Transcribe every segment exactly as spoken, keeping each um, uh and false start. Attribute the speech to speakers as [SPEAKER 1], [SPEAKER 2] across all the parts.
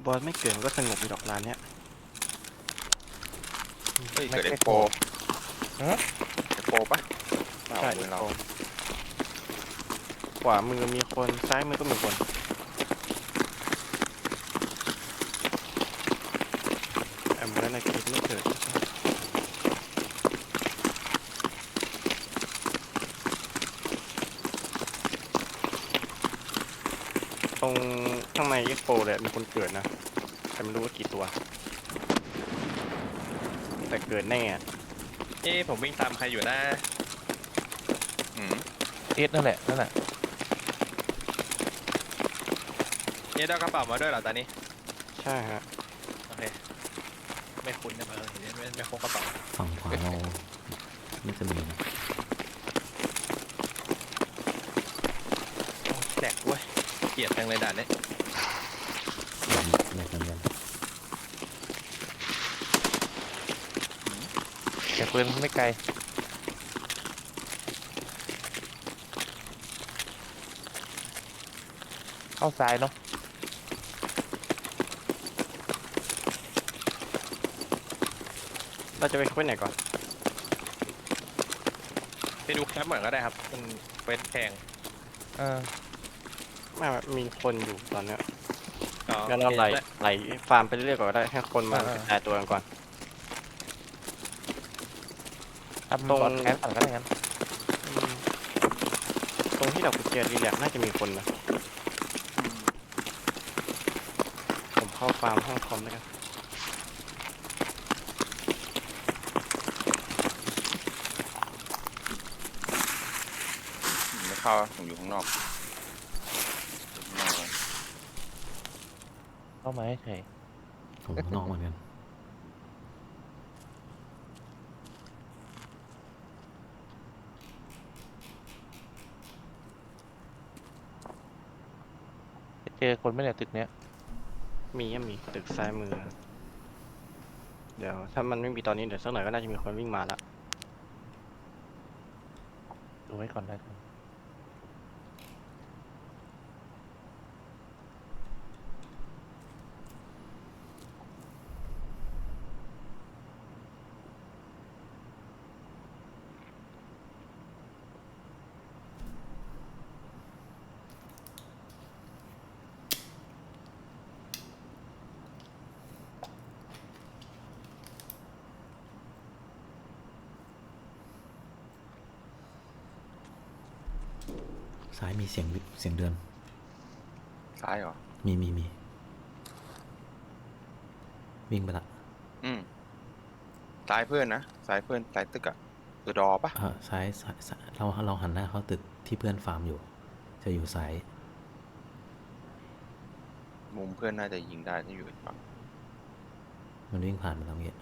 [SPEAKER 1] บอสไม่เกิดมันก็สงบในดอกลานเนี้ย
[SPEAKER 2] เฮ้ย
[SPEAKER 3] ไม่
[SPEAKER 2] เกิด
[SPEAKER 3] ใช่
[SPEAKER 2] เอ็กโป
[SPEAKER 3] ฮะ
[SPEAKER 2] เอ็กโปปะเปล่า
[SPEAKER 1] ใช่
[SPEAKER 2] มือเรา
[SPEAKER 1] ขวามือมีคนซ้ายมือก็มีคนแอมเบอร์ในคลิปไม่เกิดตรงข้างในเอ็กโปเลยมีคนเกิดนะแต่ไม่รู้ว่ากี่ตัว แต่เกิดแน่อะ
[SPEAKER 4] เอ้ผมวิ่งตามใครอยู่นะ
[SPEAKER 2] อืม
[SPEAKER 3] เอสนั่นแหละนั่นแหละ
[SPEAKER 4] เอ้ได้กระเป๋ามาด้วยเหรอตอนนี้
[SPEAKER 1] ใช่ฮะ
[SPEAKER 4] โอเคไม่คุ้นนะเออเห็นไม่ไม่พกกระเป๋า
[SPEAKER 5] ฝั่งขวาเราไม่จะมีนะ
[SPEAKER 4] แหลกเว้ยเกลียดจังเลยด่านนี้
[SPEAKER 5] แหลกเหมือนกัน
[SPEAKER 3] เสียงปืนไม่ไกลเข้าซ้ายเนาะ
[SPEAKER 1] เราจะไปคุยไหนก่อน
[SPEAKER 4] ไปดูแคปเหมือนก็ได้ครับมันเป็นแพง
[SPEAKER 3] เออ
[SPEAKER 1] ไม่มีคนอยู่ตอนเนี้ย
[SPEAKER 4] อ๋อ
[SPEAKER 1] งั้นเราไหล
[SPEAKER 4] โอค
[SPEAKER 1] ไหลฟาร์มไปเรื่อยๆก่อนก็ได้ให้คนมากระจายตัวกันก่อน
[SPEAKER 3] ทำ
[SPEAKER 1] ตรง
[SPEAKER 3] บอดแคสก่อนก็ได้งั้น
[SPEAKER 1] อืมตรงที่เรากุญแจรีแลกซ์น่าจะมีคนนะผมเข้าฟาร์มห้องคอมแล้วกัน
[SPEAKER 2] ไม่เข้าผมอยู่ข้างนอกข้างนอก
[SPEAKER 3] เข้ามาให้เฉย
[SPEAKER 5] ผมข้างนอกเหมือนกัน
[SPEAKER 3] เจอคนไม่เนี่ยตึกเนี้ย
[SPEAKER 1] มีอะมีตึกซ้ายมือ เดี๋ยวถ้ามันไม่มีตอนนี้เดี๋ยวสักหน่อยก็น่าจะมีคนวิ่งมาละ
[SPEAKER 3] ดูไว้ก่อนได้ครับ
[SPEAKER 5] ซ้ายมีเสียงวิเสียงเดิน
[SPEAKER 2] ซ้ายเหรอ
[SPEAKER 5] มีมีมีวิ่งไปละ
[SPEAKER 2] อืมซ้ายเพื่อนนะซ้ายเพื่อนซ้ายตึกอะตัวดอปะ
[SPEAKER 5] เออซ้ายซ้ายซ้ายเราเราหันหน้าเข้าตึกที่เพื่อนฟาร์มอยู่ จะอยู่ซ้าย
[SPEAKER 2] มุมเพื่อนน่าจะยิงได้ถ้าอยู่อีกฝั่ง
[SPEAKER 5] มันวิ่งผ่านมาตรงนี้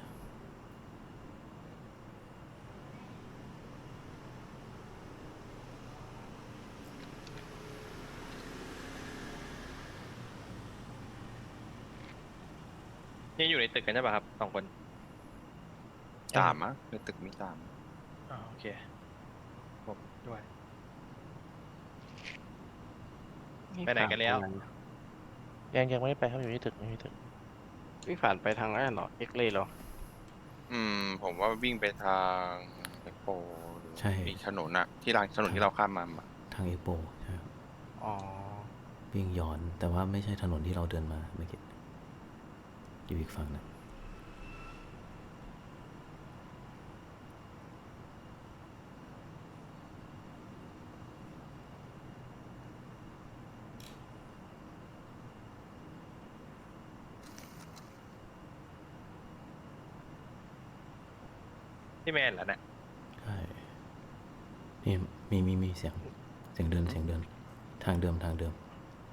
[SPEAKER 4] นี่อยู่ในตึกกันใช่ป่ะครับสองคน
[SPEAKER 2] ตามอะในตึกมีตาม
[SPEAKER 4] อ๋อโอเคผมด้วย ไปไหนกันแล้ว
[SPEAKER 3] ยังยังไม่ได้ไปครับอยู่ที่ตึกอยู่ที่ตึก
[SPEAKER 1] วิ่งผ่านไปทางนั้นเหรอเอ็กเลย์เหรอ
[SPEAKER 2] อืม ผมว่าวิ่งไปทางเอ็กโปหรือ
[SPEAKER 5] ใช่
[SPEAKER 2] อีกถนนอะที่รางถนนที่เราข้ามมาอะ
[SPEAKER 5] ทางเอ็กโปใช่ครับ
[SPEAKER 1] อ๋อ
[SPEAKER 5] วิ่งย้อนแต่ว่าไม่ใช่ถนนที่เราเดินมาเมื่อกี้อยู่อีกฝั่งหนึง
[SPEAKER 4] ที่แมนเหรอเนี่ย
[SPEAKER 5] ใช่มีมีมีมีเสียงเสียงเดินเสียงเดิน ทางเดิมทางเดิม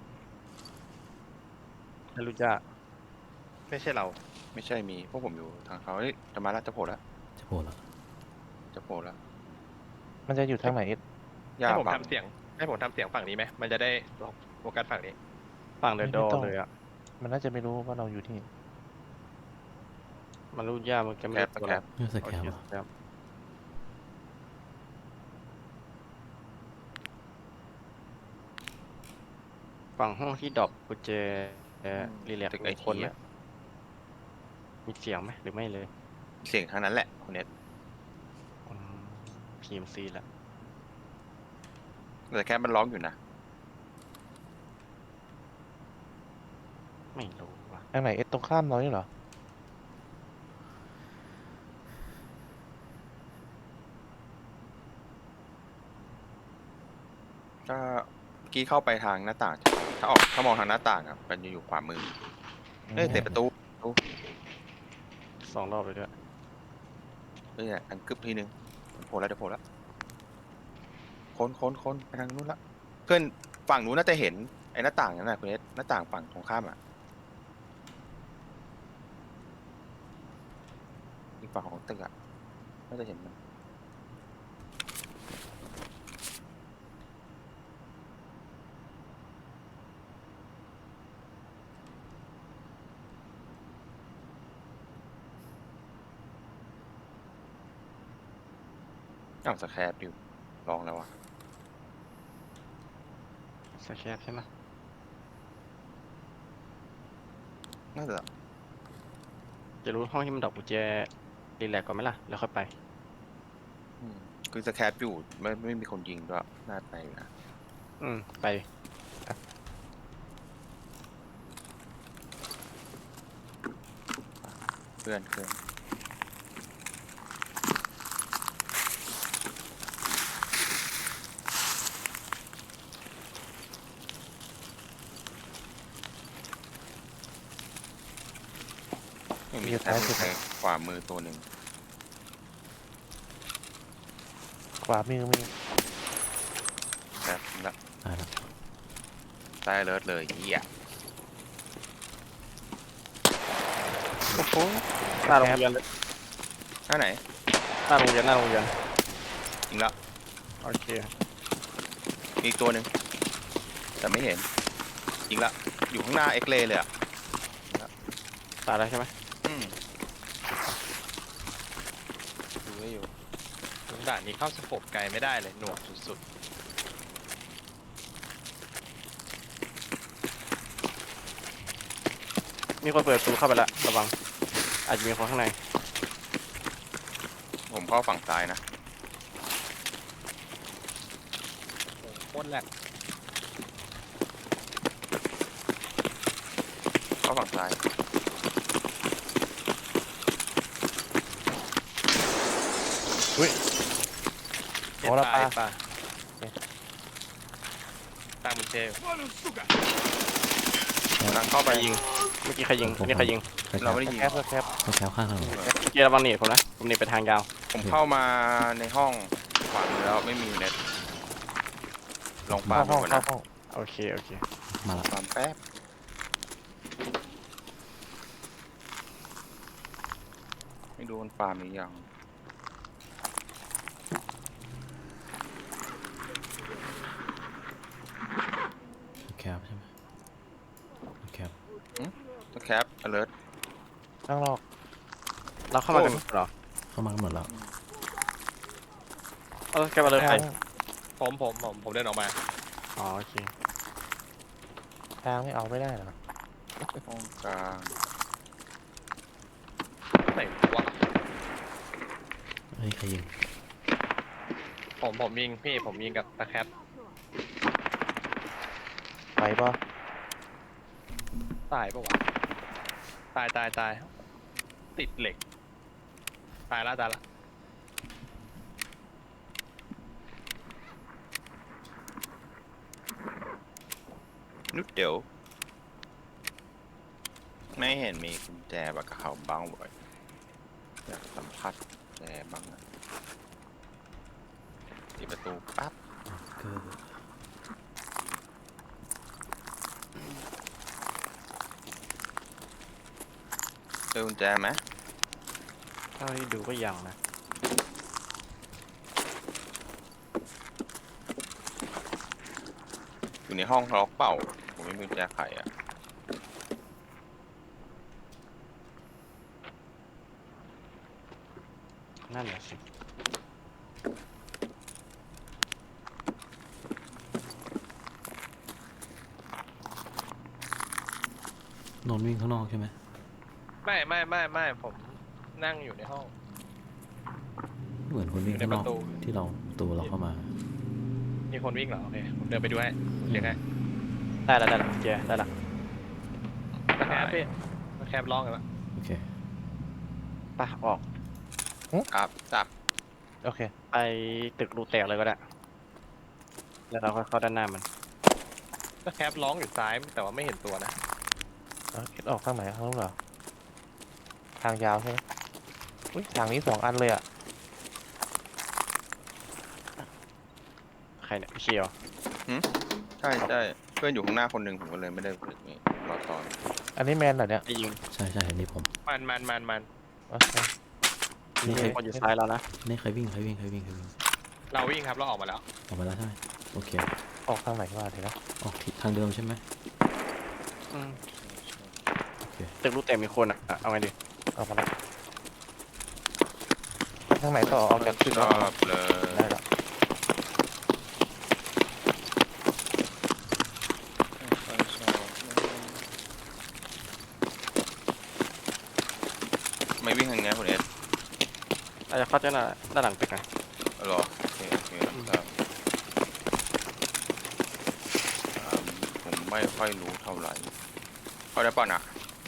[SPEAKER 1] ไม่รู้จัก
[SPEAKER 4] ไม่ใช่เรา
[SPEAKER 2] ไม่ใช่มีพวกผมอยู่ทางเขาเฮ้ยจะมาแล้วจะโผล่แล้ว
[SPEAKER 5] จะโผล่ละ
[SPEAKER 2] จะโผล่แล้ว
[SPEAKER 3] มันจะอยู่ทางไหนเอส
[SPEAKER 2] ย่า
[SPEAKER 4] ให้ผม
[SPEAKER 2] บัง
[SPEAKER 4] ทำเสียงให้ผมทำเสียงฝั่งนี้ไหมมันจะได้โฟกัสฝั่งนี้
[SPEAKER 1] ฝั่งเดอะดอเลยอ่ะ
[SPEAKER 3] มันน่าจะไม่รู้ว่าเราอยู่ที่
[SPEAKER 1] มันรู้ยากมันจะไม่ได้ตัว
[SPEAKER 2] แค
[SPEAKER 1] แล้
[SPEAKER 2] ป
[SPEAKER 5] นี่ส
[SPEAKER 1] โอ
[SPEAKER 5] แก
[SPEAKER 1] เค
[SPEAKER 5] มเหรอ
[SPEAKER 1] ครับฝั่งห้องที่ดรอปกุญแจรีแลกซ์
[SPEAKER 2] ตึกไอ
[SPEAKER 1] มีค
[SPEAKER 2] ที
[SPEAKER 1] นไหม
[SPEAKER 2] อะ
[SPEAKER 1] มีเสียงไหมหรือไม่เลย
[SPEAKER 2] เสียงทางนั้นแหละคุณเน็ต
[SPEAKER 1] พีเอ็มซีละ
[SPEAKER 2] แต่แค่มันร้องอยู่นะ
[SPEAKER 1] ไม่รู้ว่ะ
[SPEAKER 3] ทางไหนเอสตรงข้ามเรานี่เหรอ
[SPEAKER 2] ถ้าเมื่อกี้เข้าไปทางหน้าต่าง ถ้าออกถ้ามองทางหน้าต่างอ่ะมันจะอยู่ขวามือเอ้ยเตะประตู
[SPEAKER 1] สองรอบเลยด้วย
[SPEAKER 2] เอ้ยอันกึบทีนึงโผล่แล้วเดี๋ยวโผล่แล้วคนคนคนไปทางนู้นละเพื่อนฝั่งนู้นน่าจะเห็นไอ้หน้าต่างนั่นแหละคุณเอสหน้าต่างฝั่งตรงข้ามอ่ะอีกฝั่งของตึกอ่ะน่าจะเห็นมันอ้าวสแครปอยู่ลองแล้วอ่ะ
[SPEAKER 1] สแคปใช่ไหม
[SPEAKER 2] น่าจะ
[SPEAKER 1] จะรู้ห้องที่มันดอกกุญแจรีแลกซ์ก่อนไหมล่ะ แล้วค่อยไป
[SPEAKER 2] อืมคือสแครปอยู่ไม่ไม่มีคนยิงด้วยน่าไปอยู่นะ
[SPEAKER 1] อืม ไป
[SPEAKER 2] เพื่อนเพื่อนยังมีแค่มือขวามือตัวหนึ่ง
[SPEAKER 3] ขวามือมี
[SPEAKER 2] แบบละ
[SPEAKER 5] ตายแล้ว
[SPEAKER 2] ใต้เลิศเลยเหี้ย
[SPEAKER 1] โอ้โหหน้าโรงเรียนเลย
[SPEAKER 2] หน้าไหน
[SPEAKER 1] หน้าโรงเรียนหน้าโรงเรียน
[SPEAKER 2] ยิงละ
[SPEAKER 1] โอเค
[SPEAKER 2] มีอีกตัวหนึ่งแต่ไม่เห็นยิงละอยู่ข้างหน้าเอ็กเลเลยอ่ะ
[SPEAKER 1] ตายแล้วใช่ไหม
[SPEAKER 2] อืม
[SPEAKER 4] ดูให้อยู่ด่านนี้เข้าสโคปไกลไม่ได้เลยหน่วงสุด
[SPEAKER 1] มีคนเปิดประตูเข้าไปแล้วระวัง อาจจะมีคนข้างใน
[SPEAKER 2] ผมเข้าฝั่งซ้ายนะ
[SPEAKER 4] ๆโอ้โหโคตรแหลก
[SPEAKER 2] เข้าฝั่งซ้าย
[SPEAKER 3] อุ้ย
[SPEAKER 4] เอ็
[SPEAKER 3] โอ้
[SPEAKER 4] ด
[SPEAKER 3] ละ
[SPEAKER 4] ปลา
[SPEAKER 3] ปลา
[SPEAKER 4] เอ็ดปลาตามมุนเชล
[SPEAKER 2] กำลังเข้า
[SPEAKER 1] ใค
[SPEAKER 2] ไป
[SPEAKER 1] รยิง เมื่อกี้ใครยิงอันนี้ใครยิง
[SPEAKER 5] สแค
[SPEAKER 2] เรา
[SPEAKER 5] ป
[SPEAKER 2] ไม่ได้ยิง
[SPEAKER 3] แคปแคป
[SPEAKER 5] สแคปข้างถนน
[SPEAKER 1] เกียร์ระวังหนีผมนะ ผมหนีไปทางยาว
[SPEAKER 2] ผมเข้ามาในห้องขวามือแล้วไม่มีเน็ตลองปา
[SPEAKER 3] เข้า
[SPEAKER 2] ดู
[SPEAKER 3] ห้อง
[SPEAKER 2] ก่อน
[SPEAKER 3] เข้า
[SPEAKER 2] นะ
[SPEAKER 3] ห้อง
[SPEAKER 1] โอเค โอเค
[SPEAKER 5] มาละ
[SPEAKER 2] ปามแป๊บไม่ดูมันปาล์มหรือยัง
[SPEAKER 5] สแคปใช่ไหมสแคป
[SPEAKER 2] สแคป alert
[SPEAKER 3] ข้างนอก
[SPEAKER 1] เราเข้ามากันเหรอ
[SPEAKER 5] เข้ามากันหมดแล้ว
[SPEAKER 1] เออแกมาเลยใคร
[SPEAKER 3] ทาง
[SPEAKER 4] ผมผมผมผมเดินออกมา
[SPEAKER 1] อ๋อ โอเค
[SPEAKER 3] ทางไม่เอาไม่ได้เหรอ
[SPEAKER 2] ห้องกลาง
[SPEAKER 4] ไหนวะ
[SPEAKER 5] เฮ้ยใครยิง
[SPEAKER 4] ผมผมยิงพี่ผมยิงกับตะแคป
[SPEAKER 3] ไปปะ
[SPEAKER 4] ตายปะวะตายตายตายติดเหล็ก ตายละตายละ
[SPEAKER 2] นุดเดี๋ยว ไม่เห็นมีกุญแจบักกะเขาบ้างบ่อยอยากสัมผัสแจบ้างอะปิดประตูปั๊บ
[SPEAKER 5] เกอร์
[SPEAKER 2] เจอกุญแจไหม
[SPEAKER 1] เท่าที่ดูก็ยังนะ
[SPEAKER 2] อยู่ในห้องล็อกเปล่าผมไม่มีกุญแจไขอ่ะ
[SPEAKER 1] นั่นแหละสิ
[SPEAKER 5] นนท์วิ่งข้างนอกใช่ไหม
[SPEAKER 4] ไม่ไม่ไม่ไม่ผมนั่งอยู่ในห้อง
[SPEAKER 5] เหมือนคนวิ่งข้างนอก
[SPEAKER 4] อยู่ในประตู
[SPEAKER 5] ที่เราประตูเราเข้ามา
[SPEAKER 4] มีคนวิ่งเหรอโอเคผมเดินไปดูให้เดี๋ยวไง
[SPEAKER 1] ได้แล้วได้แล้วเจได้แล้ว
[SPEAKER 4] มาแคบพี่มาแคบร้องกันละ
[SPEAKER 5] โอเค
[SPEAKER 1] ไปออก
[SPEAKER 2] ครับจับ
[SPEAKER 3] โอเค
[SPEAKER 1] ไปตึกรูแตกเลยก็ได้ แล้วเราค่อยเข้าด้านหน้ามัน
[SPEAKER 4] มาแคบร้องอยู่ซ้ายแต่ว่าไม่เห็นตัวนะ
[SPEAKER 3] เอาคิดออกทางไหนทางนู้นเหรอ ทางยาวใช่ไหมอุ้ยทางนี้สองอันเลยอ่ะ
[SPEAKER 1] ใครเนี่ยพี่เชียว
[SPEAKER 2] ใช่ใช่เพื่อนอยู่ข้างหน้าคนหนึ่งผมก็เลยไม่ได้ฝึกนี่รอตอน
[SPEAKER 3] อันนี้แมนเหรอเนี่ย
[SPEAKER 1] ได้ยิง
[SPEAKER 5] ใช่ใช่อันนี้ผม
[SPEAKER 4] มันมันมันมัน
[SPEAKER 3] โอเค
[SPEAKER 5] นี่ใคร
[SPEAKER 1] คนอยู่ซ้ายเรานะ
[SPEAKER 5] นี่ใครวิ่งใครวิ่งใครวิ่งใครวิ่ง
[SPEAKER 4] เราวิ่งครับเราออกมาแล้ว
[SPEAKER 5] ออกมาแล้วใช่ไหมโอเค
[SPEAKER 3] ออกทางไหนวะเดี๋ยวนะ
[SPEAKER 5] ออกทิศทางเดิมใช่ไหม
[SPEAKER 1] อืม
[SPEAKER 5] โอเค
[SPEAKER 1] ตึกรูแตกมีคนอ่ะอ่ะเอาไงดี
[SPEAKER 3] ออกมาแล้วทางไหนต่อออกจากตึก
[SPEAKER 2] ช
[SPEAKER 3] แล้ว
[SPEAKER 2] อบเลย
[SPEAKER 3] ได้แล้ว
[SPEAKER 2] ไม่วิ่งทางนี้คุณเอส
[SPEAKER 1] อาจจะเข้าด้านหน้าด้านหลังตึกนะ
[SPEAKER 2] เอาเหรอโอเคโอเคครับอ่าผมไม่ค่อยรู้เท่าไหร่เขาได้ป่ะนะ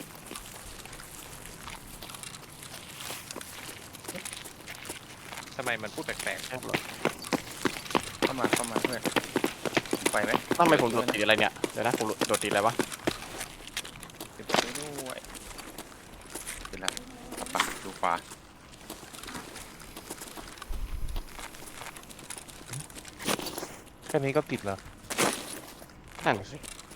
[SPEAKER 4] ทำไมมันพูดแปลก
[SPEAKER 1] แค่หรอ
[SPEAKER 2] เข้ามาเข้ามาเพื่อนไปไหม
[SPEAKER 1] ทำไมผมโดดตีอะไรเนี่ย เดี๋ยวนะผมโดดตีอะไรวะ
[SPEAKER 2] เดี๋ยวไปด้วยเป็นไรไปดูขวา
[SPEAKER 3] แค่นี้ก็ติดแล้ว
[SPEAKER 1] นั่นสิ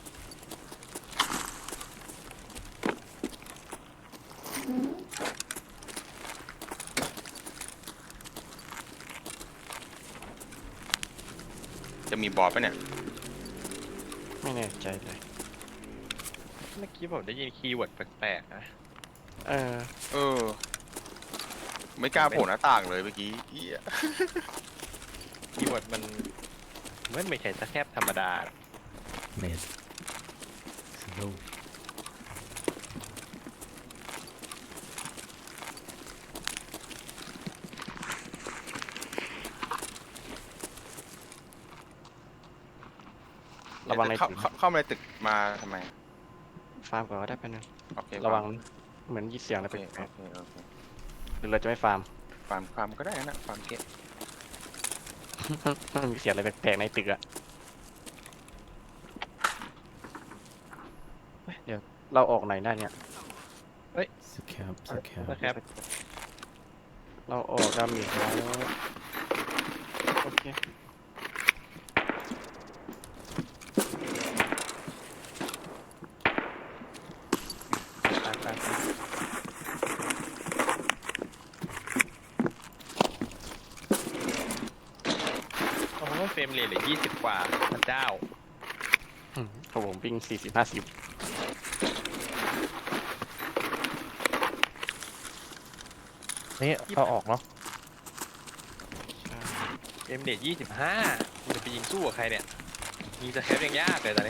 [SPEAKER 2] จะมีบอสปะเนี่ย
[SPEAKER 1] ไม่แน่ใจเลย
[SPEAKER 4] ๆเมื่อกี้ผมได้ยินคีย์เวิร์ดแปลกๆนะ
[SPEAKER 1] เออ
[SPEAKER 2] เออ ไม่กล้าโผล่หน้าต่างเลยเมื่อกี้เหี้ย
[SPEAKER 4] คีย์เวิร์ดมันมันไม่ใช่สแคบธรรมดาหรอก
[SPEAKER 5] เมสซิโล
[SPEAKER 1] ระวังใน
[SPEAKER 2] เข้า
[SPEAKER 1] ตึก
[SPEAKER 2] เข้าเข้ามาในตึกมาทำไม
[SPEAKER 1] ฟาร์มก่อนก็ได้ไปบนึง
[SPEAKER 2] โอเค
[SPEAKER 1] ระวังเหมือนยินเสียงอะไร
[SPEAKER 2] โอเค
[SPEAKER 1] แปลก
[SPEAKER 2] โอเคโอเค
[SPEAKER 1] ๆหรือเราจะไม่ฟาร์ม
[SPEAKER 2] ฟาร์มฟาร์มก็ได้นะฟาร์มเก็ต
[SPEAKER 1] มันมีเสียงอะไรแปลกๆในตึกอะเฮ้ยเดี๋ยวเราออกไหนได้เนี่ย
[SPEAKER 5] สแคปสแคป
[SPEAKER 4] สแคบ
[SPEAKER 1] เราออกดาเมจแล้วโอเค
[SPEAKER 4] ไปไปไปโอ้โหเฟรมเรทเหลือยี่สิบกว่าพระเจ้า
[SPEAKER 1] อืมของผมวิ่งสี่สิบห้าสิบ
[SPEAKER 3] นี่เอาออกเนาะ
[SPEAKER 4] เฟรมเรทยี่สิบห้าคุณจะไปยิงสู้กับใครเนี่ยยิงสแคปยังยากเลยตอนนี้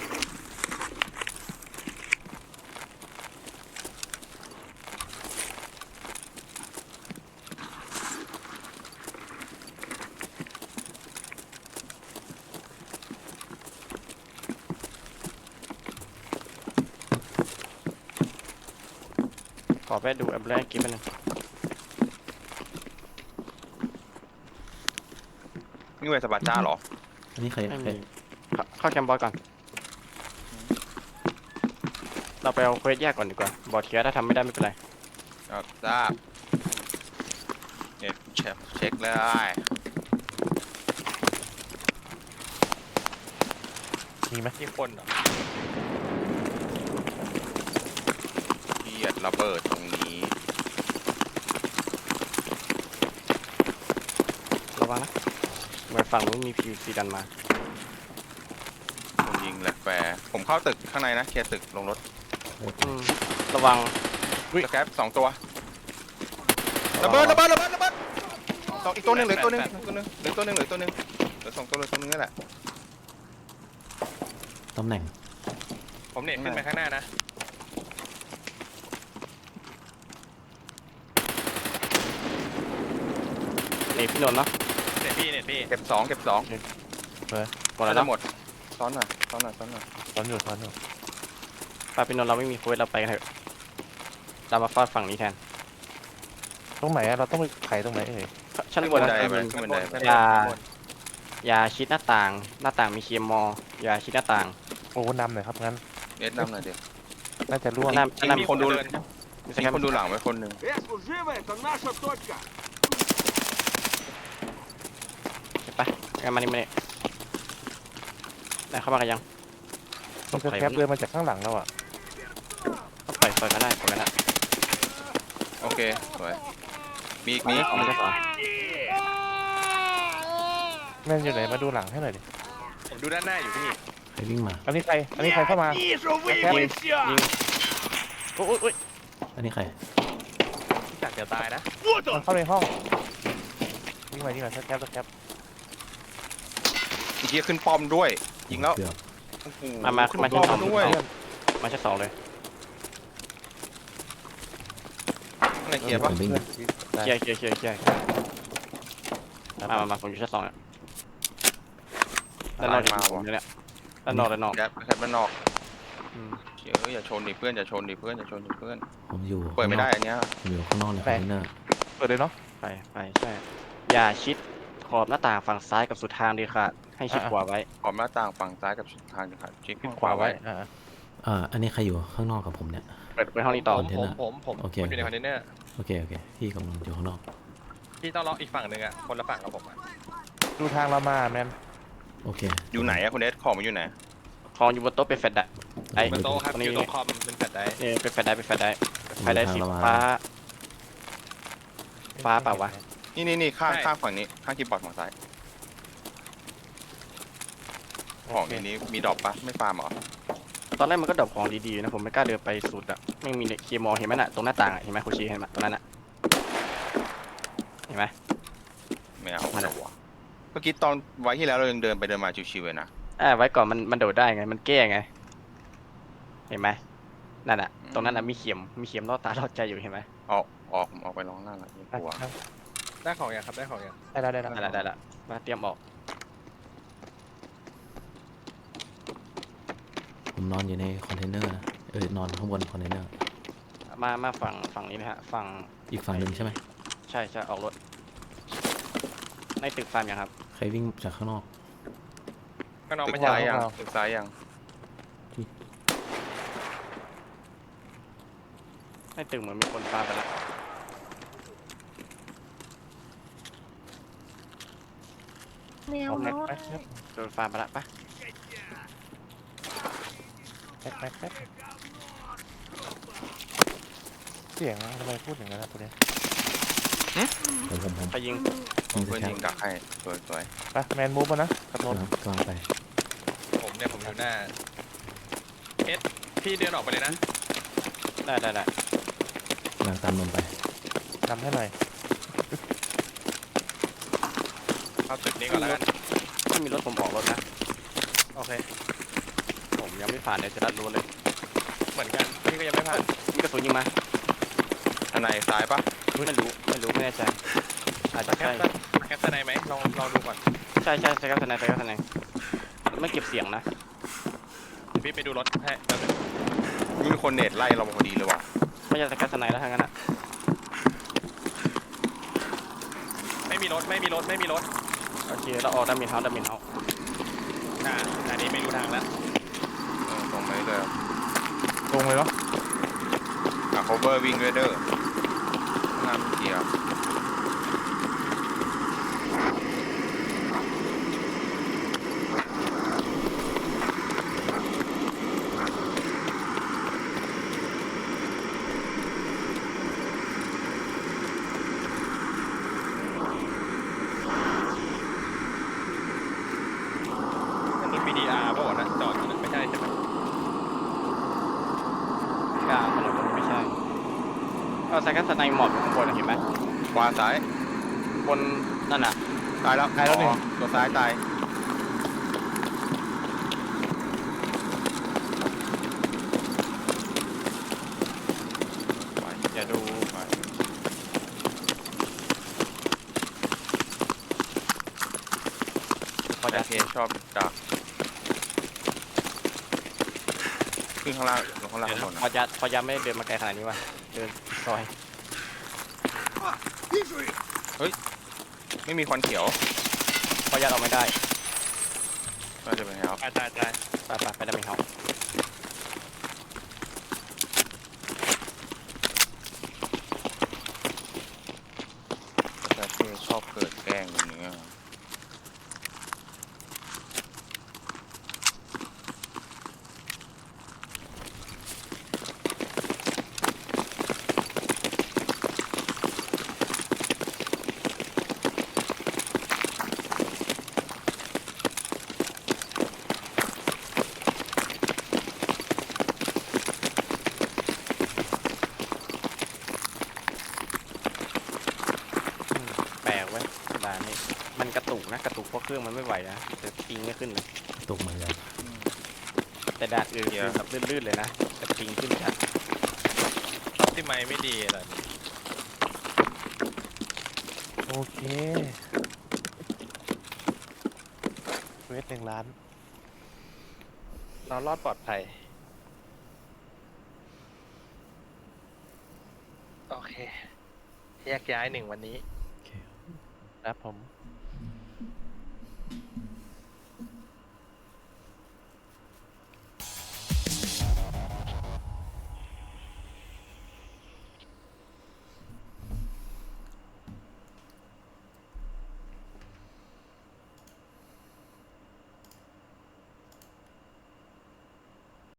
[SPEAKER 1] ขอไปดูแอปแรกกิ๊บนึง
[SPEAKER 2] นี่เวสปาจ้าเหรอ
[SPEAKER 5] อันนี้ใคร
[SPEAKER 1] ไม่
[SPEAKER 5] ใคร
[SPEAKER 1] มีเข้าเข้าแคมป์บอสก่อน เราไปเอาเควสแยกก่อนดีกว่า บอสเคลียร์ถ้าทำไม่ได้ไม่เป็นไร
[SPEAKER 2] ครับทราบเนี่ยเช็คเช็คเลย
[SPEAKER 3] มีไหม
[SPEAKER 4] มีคนเหรอ
[SPEAKER 2] เกียดระเบิดตรงนี้
[SPEAKER 1] ระวังนะเหมือนฝั่งนู้นมีพีซีดันมา
[SPEAKER 2] ผมยิงแหลกแฟร์ผมเข้าตึกข้างในนะเคลียร์ตึกลงรถ
[SPEAKER 1] อืมระวัง
[SPEAKER 2] สแคปสองตัวระเบิดระเบิดระเบิดระเบิดสองอีกตัวหนึ่งเหลือตัวหนึ่งเหลือตัวหนึ่งเหลือตัวหนึ่งเหลือตัวหนึ่งเหลือสองตัวเหลือตัวหนึ่งนี่แหละ
[SPEAKER 5] ตำแหน่ง
[SPEAKER 4] ผมเน็ตขึ้นไปข้างหน้านะ
[SPEAKER 1] นี่พี่นนท์เนาะ
[SPEAKER 4] เน็ตพี่เน็ตพี่
[SPEAKER 2] เก็บสองเก็บสอง
[SPEAKER 1] หมดแล้ว
[SPEAKER 2] จะ
[SPEAKER 1] เนาะ
[SPEAKER 2] หมดซ้อนหน่อยซ้อนหน่อยซ้อนหน่อย
[SPEAKER 3] ตอนอยู่ตอนอยู่
[SPEAKER 1] ไปพี่นนท์เราไม่มีคุยเราไปกันเถอะเรามาฟาดฝั่งนี้แทน
[SPEAKER 3] ตรงไหนอะเราต้องไปไขตรงไหนเอ่ย
[SPEAKER 1] ชั้นบ
[SPEAKER 2] ขึ้
[SPEAKER 1] น
[SPEAKER 2] นบัน
[SPEAKER 1] นะ
[SPEAKER 2] ได
[SPEAKER 1] ชั้น
[SPEAKER 2] ไป
[SPEAKER 1] บน
[SPEAKER 2] ขึ้นบันไดไป
[SPEAKER 1] อย่าอย่าชิดหน้าต่าง หน้าต่างมีเคมออย่าชิดหน้าต่าง
[SPEAKER 3] โอ้นำหน่อยครับงั้น
[SPEAKER 2] เน็ตนำหน่อยเดี๋ยว
[SPEAKER 3] น่าจะร่วง
[SPEAKER 1] หน้า
[SPEAKER 2] จริง
[SPEAKER 1] หน้า
[SPEAKER 2] มีคนดู
[SPEAKER 4] เดิน
[SPEAKER 1] มีส
[SPEAKER 2] มี
[SPEAKER 1] แกน
[SPEAKER 2] คนดูหลังไว้คนหนึ่ง
[SPEAKER 6] Э, служивый, это наша точка.
[SPEAKER 1] ไปงั้นมานี่มานี่ได้เข้ามากันยัง
[SPEAKER 3] มันจะแคปเดินมาจากข้างหลังเราอ่ะ
[SPEAKER 1] ต้องปล่อยปล่อยก็ได้ปล่อยก็ได้
[SPEAKER 2] โอเคสวยมีอีกมี
[SPEAKER 1] มี
[SPEAKER 2] อีก
[SPEAKER 1] ของมันจะสอน
[SPEAKER 3] แม่นอยู่ไหนมาดูหลังให้หน่อยดิ
[SPEAKER 4] ผมดูด้านหน้าอยู่พี่
[SPEAKER 5] ใครวิ่งมา
[SPEAKER 3] อันนี้ใครอันนี้ใครเข้ามา
[SPEAKER 6] Вижу, вы,
[SPEAKER 3] Окей.
[SPEAKER 6] вы все.
[SPEAKER 1] ยิงโอ้ยโอ้ย
[SPEAKER 5] อันนี้ใคร
[SPEAKER 4] พี่จักรจะตายนะ
[SPEAKER 6] Вот
[SPEAKER 3] มัน
[SPEAKER 6] он.
[SPEAKER 3] เข้าในห้องยิงมายิงมาแคปแคป
[SPEAKER 2] อีกทีขึ้นป้อมด้วยยิงแล้ว
[SPEAKER 5] เกือบ
[SPEAKER 2] โอ้โห
[SPEAKER 1] มามาขึ้นมา
[SPEAKER 2] ป้
[SPEAKER 1] ชั้นสอ
[SPEAKER 2] อง มด้วย
[SPEAKER 1] มาชั้นสองเลย
[SPEAKER 2] ข้างในเคลียร์ปะ
[SPEAKER 5] ผมวิ่ง
[SPEAKER 1] เคลียร์เคลียร์เคลียร์เคลียร์มามามาผมอยู่ชั้นสองอ่ะด้านนอกจะมีผมอยู่เนี่ยด้านนอกด้านนอก
[SPEAKER 2] แคปแคปด้านนอก
[SPEAKER 1] อืม
[SPEAKER 2] เอออย่าชนดิเพื่อนอย่าชนดิเพื่อนอย่าชนดิเพื่อน
[SPEAKER 5] ผมอยู่
[SPEAKER 2] เปิดไม่ได้อันเนี้ย
[SPEAKER 5] ผมอยู่ข้างนอกในคอนเทนเนอร์
[SPEAKER 3] เปิดเลยเนาะ
[SPEAKER 1] ไปไปใช่อย่าชิดขอบหน้าต่างฝั่งซ้ายกับสุดทางดีค่ะให้ชิดขวาไว้
[SPEAKER 2] ขอบหน้าต่างฝั่งซ้ายกับทางนะครับชิคขึ้น
[SPEAKER 3] ขวาไว้อ่า
[SPEAKER 5] อ่าอันนี้ใครอยู่ข้างนอกกับผมเนี่ย
[SPEAKER 1] เปิดไปห้องนี้ต่อ
[SPEAKER 4] ผ
[SPEAKER 5] ค
[SPEAKER 4] ม
[SPEAKER 5] อนเทน
[SPEAKER 4] ผ
[SPEAKER 5] เน
[SPEAKER 4] ม
[SPEAKER 5] อร์
[SPEAKER 4] ผมผม
[SPEAKER 5] โอเค
[SPEAKER 4] ผมอยู่ในคอนเทนเนอร์
[SPEAKER 5] โอเคโอเคพี่กำลังอยู่ข้างนอก
[SPEAKER 4] พี่ต้องล็อกอีกฝั่งหนึ่งอ่ะคนละฝั่งกับผมอ่ะ
[SPEAKER 3] ดูทางเรามาแมน
[SPEAKER 5] โอเค
[SPEAKER 2] อยู่ไหนอะคุณเอสของมันอยู่ไหน
[SPEAKER 1] ของอยู่บนโต๊ะเป็นแฟลชอะไอ้
[SPEAKER 4] บนโต๊ะครับ
[SPEAKER 1] ตรง
[SPEAKER 4] อ
[SPEAKER 1] นี้
[SPEAKER 4] ยู่ตรงคอมเป็นแฟลชไดร์
[SPEAKER 1] เนี่ยเป็นแฟลชได้เป็นแฟลชได้
[SPEAKER 5] ผม
[SPEAKER 1] ไฟได้
[SPEAKER 5] อยู่
[SPEAKER 1] สี
[SPEAKER 5] ทางเรามา
[SPEAKER 1] ฟ้า ฟ้าเปล่าวะ
[SPEAKER 2] นี่นี่นี่ข้างข้างฝั่งนี้ข้างคีย์บอร์ดฝั่งซ้ายของในนี้มีดรอปปะไม่ฟาร์มเหรอ
[SPEAKER 1] ตอนแรกมันก็ดรอปของดีๆนะผมไม่กล้าเดินไปสุดอะไม่มีเคมอเห็นไหมน่ะตรงหน้าต่างอะเห็นไหมคุชีเห็นไหมตรงนั้นอะเห็นไหม
[SPEAKER 2] ไม่เอา
[SPEAKER 1] นั่นแห
[SPEAKER 2] ไม่
[SPEAKER 1] ละ
[SPEAKER 2] เอาวะเมื่อกี้ตอนไว้ที่แล้วเรายังเดินไปเดินมาชิวๆเลยนะ
[SPEAKER 1] อ่าไว้ก่อนมันมันโดดได้ไงมันแก้ไง เห็นไหมนั่นอะตรงนั้นอะมีเข็มมีเข็มล่อตาล่อใจอยู่เห็นไหม
[SPEAKER 2] ออกออกผมออกไปร้องหน้าละไม่กลัว
[SPEAKER 4] ได้ของยังครับได้ของยัง
[SPEAKER 3] ได้แล้วได้แล้ว
[SPEAKER 1] ได้ละได้ละมาเตรียมออก
[SPEAKER 5] ผมนอนอยู่ในคอนเทนเนอร์นะเออนอนข้างบนคอนเทนเนอร์
[SPEAKER 1] มามาฝั่งฝั่งนี้นะฮะฝั่ง
[SPEAKER 5] อีกฝั่งหนึ่งใช่ไหม
[SPEAKER 1] ใช่ใช่ออกรถในตึกฟาร์มยังครับ
[SPEAKER 5] ใครวิ่งจากข้างนอก
[SPEAKER 4] ข้างนอก
[SPEAKER 2] ตึก
[SPEAKER 4] ไม่ใช่
[SPEAKER 2] ซ้ายยังตึกซ้ายยัง
[SPEAKER 1] ในตึกเหมือนมีคนฟาร์มไปแล้ว
[SPEAKER 3] เอาแม็กแม็กแม็ก
[SPEAKER 1] โดนฟาร์มไปแล้วปะ
[SPEAKER 3] แม็กแม็กแม็กเสียงทำไมพูดอย่างนั้นนะตัวเนี้ย
[SPEAKER 5] ผมผมผม
[SPEAKER 1] ไปยิง
[SPEAKER 5] ยิงส
[SPEAKER 2] เพื่อน
[SPEAKER 5] แคป
[SPEAKER 2] ยิงดักให้สวยสวย
[SPEAKER 3] ไปแมนมูฟมานะกับนนท์
[SPEAKER 5] ครับกำลังไป
[SPEAKER 4] ผมเนี่ยผมอยู่หน้าเอสพี่เดินออกไปเลยนะ
[SPEAKER 1] ได้ได้ได้
[SPEAKER 5] กำลังตามนนไป
[SPEAKER 3] นำให้หน่อย
[SPEAKER 4] เข้าตึกนี้ก่อนแล้วกัน
[SPEAKER 1] ถ้ามีรถผมออกรถนะ
[SPEAKER 4] โอเค
[SPEAKER 1] ผมยังไม่ผ่านเดี๋ยวจะรัดรู้เลย
[SPEAKER 4] เหมือนกันพี่ก็ยังไม่ผ่าน
[SPEAKER 1] มีกระสุนยิงมา
[SPEAKER 2] อันไหนซ้ายปะ
[SPEAKER 1] ไม่รู้ไม่รู้ไม่แน่ใจอาจจะ
[SPEAKER 4] แค
[SPEAKER 1] ใช่
[SPEAKER 4] ปแคปสไนไหมลองลองดูก่อน
[SPEAKER 1] ใช่ใช่ใช่ครับทนายใช่ครับทนายไม่เก็บเสียงนะ
[SPEAKER 4] เดี๋ยวพี่ไปดูรถให้แป๊บนึง
[SPEAKER 2] มีคนเน็ตไล่เราพอดีเลยว่ะ
[SPEAKER 1] ไม่ใช่สกัดทนายแล้วทั้งนั้นอะ
[SPEAKER 4] ไม่มีรถไม่มีรถไม่มีรถ
[SPEAKER 1] โอเคเราออกดามินเฮาส์ดามินเฮาส์
[SPEAKER 4] อ่าอันนี้ไม่รู้ทางแล้ว
[SPEAKER 2] เออตรงไปเลย
[SPEAKER 3] ลงเลยเนาะ
[SPEAKER 2] อ่ะ cover วิ่งด้วยเด้อข้างหน้าเกียร์
[SPEAKER 4] นั่นรถ บี ดี อาร์ ป่ะวะนะจอดอยู่นะไม่ใช่ใช่ไหม
[SPEAKER 1] กลางถนนไม่ใช่เอาสกัดทนายหมอบอยู่ข้างบนอะเห็นไหม
[SPEAKER 2] ขวาซ้าย
[SPEAKER 1] บนนั่นน่ะ
[SPEAKER 2] ตายแล้ว
[SPEAKER 3] ตายแล้วหนึ่ง
[SPEAKER 2] อ๋อตัวซ้ายตาย
[SPEAKER 1] อย่าดู
[SPEAKER 2] ชอบดักขึ้นข้างล่างลงข้างล่างข้างบน
[SPEAKER 1] พอ
[SPEAKER 2] อะ
[SPEAKER 1] ยัดพอยัดไม่ได้เดินมาไกลขนาดนี้ว่ะเดินซอย
[SPEAKER 2] ไม่มีควันเขียว
[SPEAKER 1] พอยัดออกไม่ได้
[SPEAKER 2] น่าจะเป็นแล้ว
[SPEAKER 4] ตายตายตาย
[SPEAKER 1] ไปไปไปได้ไหมครับ
[SPEAKER 2] แต่ที่ชอบเกิดแกล้งอย่างเงี้ย
[SPEAKER 1] อืมแปลกเว้ยด่านนี้มันกระตุกนะกระตุกเพราะเครื่องมันไม่ไหวนะแต่ปิงไม่ขึ้นเลย
[SPEAKER 5] ตกเหมือนกัน
[SPEAKER 1] แต่ด่านอื่นคือแบบลื่นๆเลยนะแต่ปิงขึ้นชัด
[SPEAKER 4] ที่ไม่ไม่ดีอะไร
[SPEAKER 3] โอเคเวทหนึ่งล้าน
[SPEAKER 4] เรารอดปลอดภัย โอเค แยกย้ายหนึ่งวันนี้
[SPEAKER 5] โอเค
[SPEAKER 3] ครับผม